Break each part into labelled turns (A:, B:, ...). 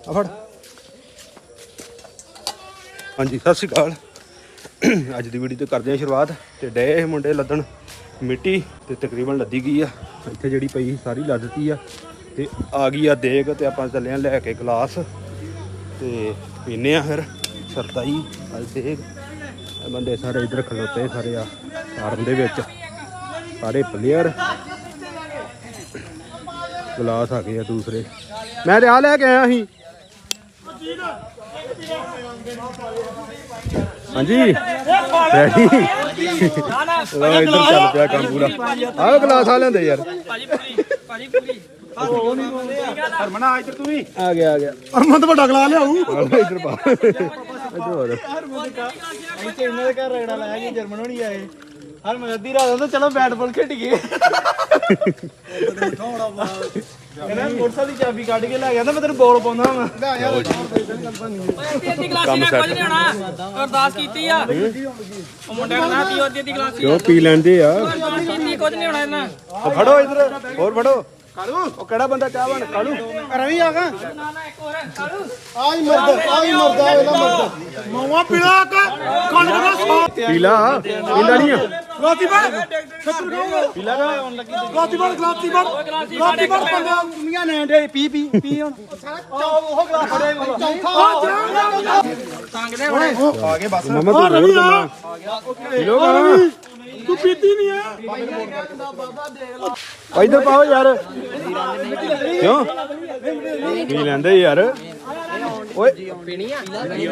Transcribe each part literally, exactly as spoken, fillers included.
A: ਫੜ। ਹਾਂਜੀ ਸਤਿ ਸ਼੍ਰੀ ਅਕਾਲ। ਅੱਜ ਦੀ ਵੀਡੀਓ ਤੇ ਕਰਦੇ ਹਾਂ ਸ਼ੁਰੂਆਤ। ਤੇ ਡੇ ਮੁੰਡੇ ਲੱਦਣ ਮਿੱਟੀ ਤੇ ਤਕਰੀਬਨ ਲੱਦੀ ਗਈ ਆ। ਇੱਥੇ ਜਿਹੜੀ ਪਈ ਸਾਰੀ ਲੱਦਤੀ ਆ ਤੇ ਆ ਗਈ ਆ ਦੇਗ ਤੇ ਆਪਾਂ ਚੱਲੇ ਆ ਲੈ ਕੇ ਗਲਾਸ ਤੇ ਪੀਨੇ ਆ ਫਿਰ ਸਰਦਾਈ ਅੱਜ ਦੇਗ। ਬੰਦੇ ਸਾਰੇ ਇੱਧਰ ਖਲੋਤੇ ਸਾਰੇ ਆ ਫਾਰਮ ਦੇ ਵਿੱਚ, ਸਾਰੇ ਪਲੇਅਰ। ਗਲਾਸ ਆ ਗਏ ਆ ਦੂਸਰੇ। ਮੈਂ ਤੇ ਆ ਲੈ ਕੇ ਆਇਆ ਸੀ। ਹਾਂਜੀ ਰੈਡੀ। ਲੋ ਇੱਧਰ ਚੱਲ ਪਿਆ ਕੰਮ ਪੂਰਾ। ਆਹ ਗਲਾਸ ਆ ਲੈਂਦੇ ਯਾਰ। ਹਰਮਨਾ ਇੱਧਰ ਤੂੰ ਵੀ ਆ ਗਿਆ ਆ ਗਿਆ। ਹਰਮਨ ਤਾਂ ਵੱਡਾ ਗਲਾਸ ਲਿਆਉ ਇੱਧਰ ਪਾ। ਇੱਧਰ ਹੋਰ
B: ਇੱਥੇ ਇਹਨਾਂ ਦੇ ਘਰ ਰਗੜਾ ਲਾਇਆ ਕਿ ਜਰਮਨ ਹੋਣੀ ਆਏ। ਹਰ ਮੈਂ ਅੱਧੀ ਰਾਤ ਤਾਂ ਚਲੋ ਬੈਟ ਬਾਲ ਖੇਡੀਏ। ਇਹਨਾਂ ਮੋਟਰਸਾਈਕਲ ਦੀ ਚਾਬੀ ਕੱਢ ਕੇ ਲੈ ਗਿਆ ਤਾਂ ਮੈਂ ਤੈਨੂੰ ਬੋਲ ਪਾਉਂਦਾ ਹਾਂ।
A: ਕੰਮ ਸੈੱਟ
C: ਅਰਦਾਸ ਕੀਤੀ ਆ ਉਹ ਮੁੰਡੇ ਨੇ ਨਾ ਪੀਓ ਅੱਧੀ ਅੱਧੀ ਗਲਾਸ
A: ਕਿਉਂ ਪੀ ਲੈਂਦੇ ਆ।
C: ਕੀਤੀ ਕੁਝ ਨਹੀਂ ਹੋਣਾ ਇਹਨਾਂ।
A: ਫੜੋ ਇੱਧਰ ਹੋਰ ਫੜੋ। ਕਾਲੂ ਉਹ ਕਿਹੜਾ ਬੰਦਾ ਚਾਹ ਬਣ ਕਾਲੂ
B: ਰਵੀ ਆ ਗਾ
C: ਨਾ ਨਾ ਇੱਕ ਹੋਰ ਕਾਲੂ
B: ਆਈ ਮਰਦਾ ਆਈ ਮਰਦਾ ਇਹਦਾ ਮਰਦਾ ਮਾਵਾ ਪੀਲਾ ਕਾ ਕੰਨ ਦਾ
A: ਪੀਲਾ ਪੀਂਦਾ ਨਹੀਂ ਆ।
B: ਗਲਾਤੀ ਬਣ ਛੱਤਰ ਗਾਉਂਗਾ
A: ਪੀਲਾ ਦਾ
B: ਗਲਾਤੀ ਬਣ ਗਲਾਤੀ ਬਣ ਗਲਾਤੀ ਬਣ ਪੰਗਾ ਦੁਨੀਆ ਨੇ ਡੇ ਪੀ ਪੀ ਪੀ ਹੁਣ ਉਹ ਗਲਾਸ ਫੜੇ ਚੌਥਾ
C: ਸੰਗਦੇ ਹੋਣੇ
B: ਆ ਗਏ ਬਸ
A: ਮਮਾ ਤੂੰ ਰੋਲ ਕਰਨਾ ਪੀ ਲੋ ਗਾ।
B: ਤੂੰ ਪੀਤੀ ਨਹੀਂ ਆ
A: ਇੱਧਰ ਪਾਓ ਯਾਰ। ਕਿਉਂ ਪੀ ਲੈਂਦੇ ਯਾਰ। ਓਏ ਪੀਣੀ ਆ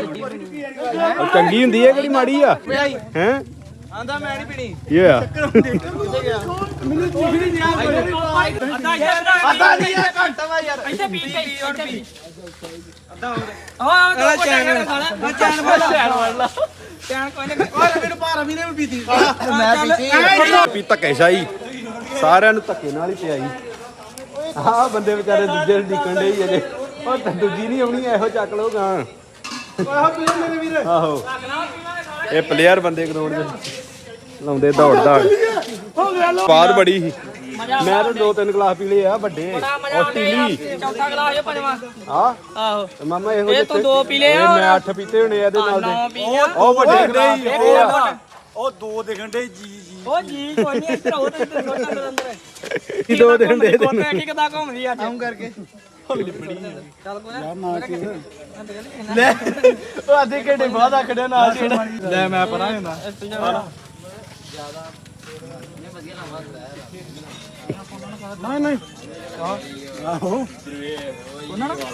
A: ਚੰਗੀ ਹੁੰਦੀ ਹੈ ਕਿਹੜੀ ਮਾੜੀ ਆ ਹੈ।
B: ਆਂਦਾ ਮੈਂ ਨਹੀਂ ਪੀਣੀ
A: ਕੀ ਹੋਇਆ।
B: ਮੈਨੂੰ ਚੀਜ਼ ਨਹੀਂ ਦਿਆ
C: ਅੱਧਾ ਯਾਰ
B: ਅੱਧਾ ਨਹੀਂ ਆ ਘੰਟਾ ਵਾ ਯਾਰ
C: ਇੱਥੇ ਪੀ ਕੇ ਇੱਥੇ ਪੀ
B: ਅੱਧਾ ਹੋਰ
C: ਹਾਂ ਉਹ ਚੈਨ
B: ਆ ਚੈਨ ਫੜ ਲਾ
C: ਚੈਨ ਕੋਈ ਨਹੀਂ
B: ਓਏ ਮੈਨੂੰ ਭਾਰਾ ਵੀ ਨੇ ਵੀ ਪੀਤੀ ਮੈਂ ਪੀਤੀ
A: ਪੀ ਧੱਕੇ ਸ਼ਾਹੀ ਸਾਰਿਆਂ ਨੂੰ ਧੱਕੇ ਨਾਲ ਹੀ ਪਿਆਈ। ਆਹ ਬੰਦੇ ਵਿਚਾਰੇ ਦੂਜੇ ਡਿੱਕਣ ਡੇ ਹੀ ਅਜੇ। ਉਹ ਤਾਂ ਦੂਜੀ ਨਹੀਂ ਆਉਣੀ ਇਹੋ ਚੱਕ ਲਓ ਗਾਂ।
B: ਆਹ ਪੀ ਮੇਰੇ ਵੀਰ
A: ਆਹੋ ਇਹ ਪਲੇਅਰ ਬੰਦੇ ਗਰਾਊਂਡ ਵਿੱਚ ਲਾਉਂਦੇ ਦੌੜ ਦੌੜ। ਸਵਾਦ ਬੜੀ ਸੀ। ਮੈਂ ਤਾਂ ਦੋ ਤਿੰਨ ਗਲਾਸ ਪੀ ਲਏ ਆ ਵੱਡੇ ਆਸਟ੍ਰੇਲੀ।
C: ਚੌਥਾ ਗਲਾਸ ਇਹ ਪੰਜਵਾਂ
A: ਆ
C: ਆਹੋ
A: ਮਾਮਾ ਇਹੋ
C: ਇਹ ਤੂੰ ਦੋ ਪੀ ਲਏ ਆ।
A: ਮੈਂ ਅੱਠ ਪੀਤੇ ਹੋਣੇ ਇਹਦੇ ਨਾਲ
C: ਨੌ
A: ਦੇ।
C: ਪੀ ਲਿਆ
A: ਉਹ ਵੱਡੇ ਗਲਾਸ
C: ਇੱਕ
B: ਉਹ ਦੋ ਦਿਖਣ ਡੇ ਜੀ ਜੀ
C: ਉਹ ਜੀ ਕੋਈ ਨਹੀਂ ਇੱਧਰ ਉਹ ਤੇ ਇੱਧਰ ਸੋਟਾ ਅੰਦਰ ਅੰਦਰ
A: ਕੀ ਦੋ ਦਿਨ ਦੇ ਦੇ।
C: ਕੋਟੇ ਕੀ ਕਿਦਾਂ ਘੁੰਮਦੀ ਆ
B: ਕੰਮ ਕਰਕੇ
C: ਚੱਲ ਕੋਈ ਨਾ
B: ਲੈ ਉਹ ਅੱਧੇ ਘੰਟੇ ਬਾਅਦ ਆਖੜਿਆ ਨਾਲ ਜਿਹੜਾ ਲੈ ਮੈਂ ਪਰਾਂ ਹੁੰਦਾ ਨਹੀਂ ਨਹੀਂ ਆਹੋ
C: ਉਹਨਾਂ ਨਾਲ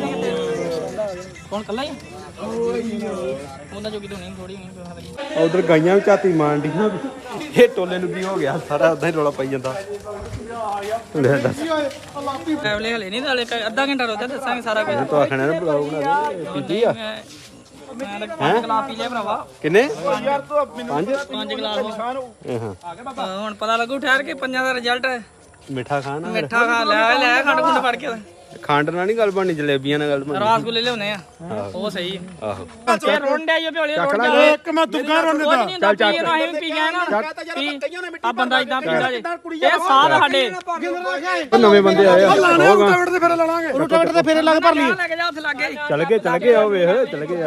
C: ਕੌਣ ਕੱਲਾ ਹੀ ਉਹਨਾਂ ਜੋਗੀ ਤੋਂ ਨਹੀਂ ਥੋੜੀ ਨਹੀਂ
A: ਉਧਰ ਗਾਈਆਂ ਵੀ ਝਾਤੀ ਮਾਰਨ ਡੀਆਂ। ਇਹ ਟੋਲੇ ਨੂੰ ਕੀ ਹੋ ਗਿਆ ਸਾਰਾ ਉਦਾਂ ਹੀ ਰੌਲਾ ਪਾਈ ਜਾਂਦਾ। ਲੈ ਦੱਸ
C: ਟਰੈਵਲੇ ਹਲੇ ਨਹੀਂ ਨਾਲੇ ਅੱਧਾ ਘੰਟਾ ਰੋਦਾ ਦੱਸਾਂਗੇ ਸਾਰਾ ਕੁਝ।
A: ਤੂੰ ਆਖਣਾ ਨਾ ਬਲੌਗ ਬਣਾ ਦੇ ਪੀਤੀ ਆ।
C: ਮੈਂ ਤਾਂ ਪੰਜ ਗਲਾਸ ਪੀ ਲਿਆ ਭਰਾਵਾ।
A: ਕਿੰਨੇ
B: ਯਾਰ ਤੂੰ ਮੈਨੂੰ
A: ਪੰਜ
C: ਪੰਜ ਗਲਾਸ
B: ਨਿਸ਼ਾਨ ਹੋ
A: ਹਾਂ
C: ਹੁਣ ਪਤਾ ਲੱਗੂ ਠਹਿਰ ਕੇ ਪੰਜਾਂ ਦਾ ਰਿਜ਼ਲਟ।
A: ਮਿੱਠਾ ਖਾਣਾ
C: ਮਿੱਠਾ ਖਾ ਲੈ ਲੈ ਖੰਡ ਖੁੰਡ ਫੜ ਕੇ
A: ਖੰਡ ਨਾਲ ਨਹੀਂ ਗੱਲ ਬਣਨੀ ਜਲੇਬੀਆਂ ਨਾਲ ਗੱਲ ਬਣਨੀ।
C: ਰਸਗੁੱਲੇ ਲਿਆਉਣੇ ਆ ਉਹ ਸਹੀ ਹੈ।
A: ਆਹੋ
C: ਇਹ ਰੋਂਡਿਆ ਹੀ ਪਿਓਲੇ ਰੋਂਡ
B: ਇੱਕ ਮੈਂ ਦੁੱਗਾ ਰੋਣ ਦਾ
C: ਚੱਲ ਚੱਲ ਇਹ ਨਾ ਪੀ ਗਿਆ ਨਾ ਆ ਬੰਦਾ ਇਦਾਂ ਪੀਂਦਾ ਜੇ ਇਹ ਸਾਧ ਸਾਡੇ
A: ਉਹ ਨਵੇਂ ਬੰਦੇ ਆਏ ਆ
B: ਰੋਟਾਵੇਟ ਤੇ ਫੇਰੇ ਲਾਵਾਂਗੇ ਰੋਟਾਵੇਟ ਤੇ ਫੇਰੇ ਲੱਗ ਭਰ ਲਈ
C: ਲੈ ਕੇ ਜਾ ਉੱਥੇ ਲੱਗੇ
A: ਚੱਲ ਗਏ ਚੱਲ ਗਏ ਆ ਵੇਖ ਚੱਲ ਗਏ ਆ।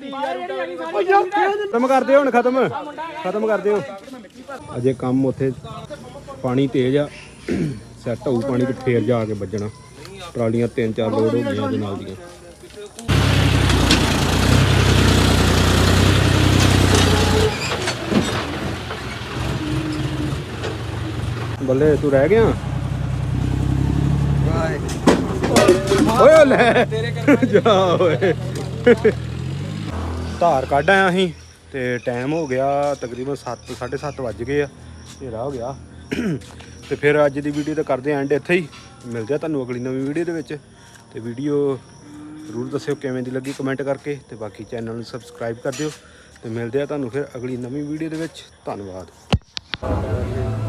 A: ਖਤਮ ਕਰਦੇ ਹੁਣ ਖਤਮ ਖਤਮ ਕਰਦੇ ਹੋ ਅਜੇ ਕੰਮ। ਉੱਥੇ ਪਾਣੀ ਤੇਜ਼ ਆ ਸੈੱਟ ਹੋਊ ਪਾਣੀ ਤੇ ਫੇਰ ਜਾ ਕੇ ਵੱਜਣਾ। ਟਰਾਲੀਆਂ ਤਿੰਨ ਚਾਰ ਲੋਡ ਹੋ ਗਈਆਂ ਉਹਦੇ ਨਾਲ ਦੀਆਂ। ਬੱਲੇ ਤੂੰ ਰਹਿ ਗਿਆ ਓਏ ਲੈ ਜਾ ਓਏ। ਧਾਰ ਕੱਢ ਆਇਆ ਅਸੀਂ ਤੇ ਟਾਈਮ ਹੋ ਗਿਆ ਤਕਰੀਬਨ ਸੱਤ ਸਾਢੇ ਸੱਤ ਵੱਜ ਗਏ ਆ। ਹਨੇਰਾ ਹੋ ਗਿਆ ਤੇ ਫਿਰ ਅੱਜ ਦੀ ਵੀਡੀਓ ਤਾਂ ਕਰਦੇ ਐਂਡ ਇੱਥੇ ਹੀ। ਮਿਲਦੇ ਆ ਤੁਹਾਨੂੰ ਅਗਲੀ ਨਵੀਂ ਵੀਡੀਓ ਦੇ ਵਿੱਚ। ਤੇ ਵੀਡੀਓ ਜ਼ਰੂਰ ਦੱਸਿਓ ਕਿਵੇਂ ਦੀ ਲੱਗੀ ਕਮੈਂਟ ਕਰਕੇ ਤੇ ਬਾਕੀ ਚੈਨਲ ਨੂੰ ਸਬਸਕ੍ਰਾਈਬ ਕਰ ਦਿਓ ਤੇ ਮਿਲਦੇ ਆ ਤੁਹਾਨੂੰ ਫਿਰ ਅਗਲੀ ਨਵੀਂ ਵੀਡੀਓ ਦੇ ਵਿੱਚ। ਧੰਨਵਾਦ।